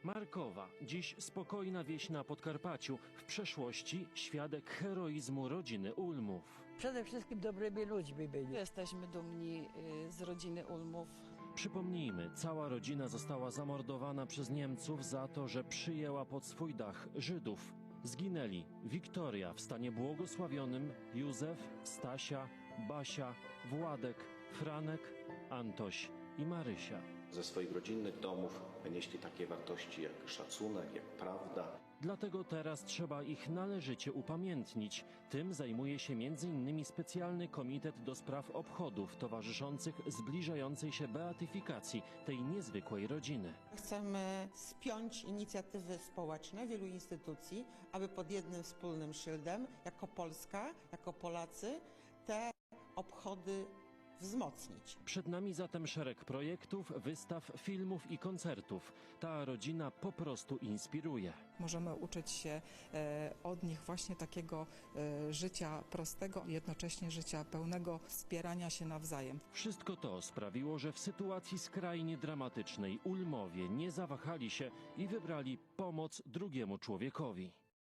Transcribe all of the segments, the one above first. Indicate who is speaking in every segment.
Speaker 1: Markowa, dziś spokojna wieś na Podkarpaciu, w przeszłości świadek heroizmu rodziny Ulmów.
Speaker 2: Przede wszystkim dobrymi ludźmi byli.
Speaker 3: Jesteśmy dumni z rodziny Ulmów.
Speaker 1: Przypomnijmy, cała rodzina została zamordowana przez Niemców za to, że przyjęła pod swój dach Żydów. Zginęli Wiktoria w stanie błogosławionym, Józef, Stasia, Basia, Władek, Franek, Antoś i Marysia.
Speaker 4: Ze swoich rodzinnych domów wynieśli takie wartości jak szacunek, jak prawda.
Speaker 1: Dlatego teraz trzeba ich należycie upamiętnić. Tym zajmuje się m.in. specjalny komitet do spraw obchodów towarzyszących zbliżającej się beatyfikacji tej niezwykłej rodziny.
Speaker 5: Chcemy spiąć inicjatywy społeczne wielu instytucji, aby pod jednym wspólnym szyldem, jako Polska, jako Polacy, te obchody wzmocnić.
Speaker 1: Przed nami zatem szereg projektów, wystaw, filmów i koncertów. Ta rodzina po prostu inspiruje.
Speaker 6: Możemy uczyć się od nich właśnie takiego życia prostego, jednocześnie życia pełnego wspierania się nawzajem.
Speaker 1: Wszystko to sprawiło, że w sytuacji skrajnie dramatycznej Ulmowie nie zawahali się i wybrali pomoc drugiemu człowiekowi.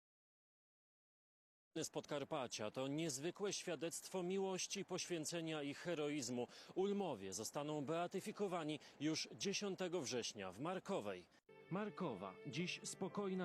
Speaker 1: Z Podkarpacia to niezwykłe świadectwo miłości, poświęcenia i heroizmu. Ulmowie zostaną beatyfikowani już 10 września w Markowej. Markowa, dziś spokojna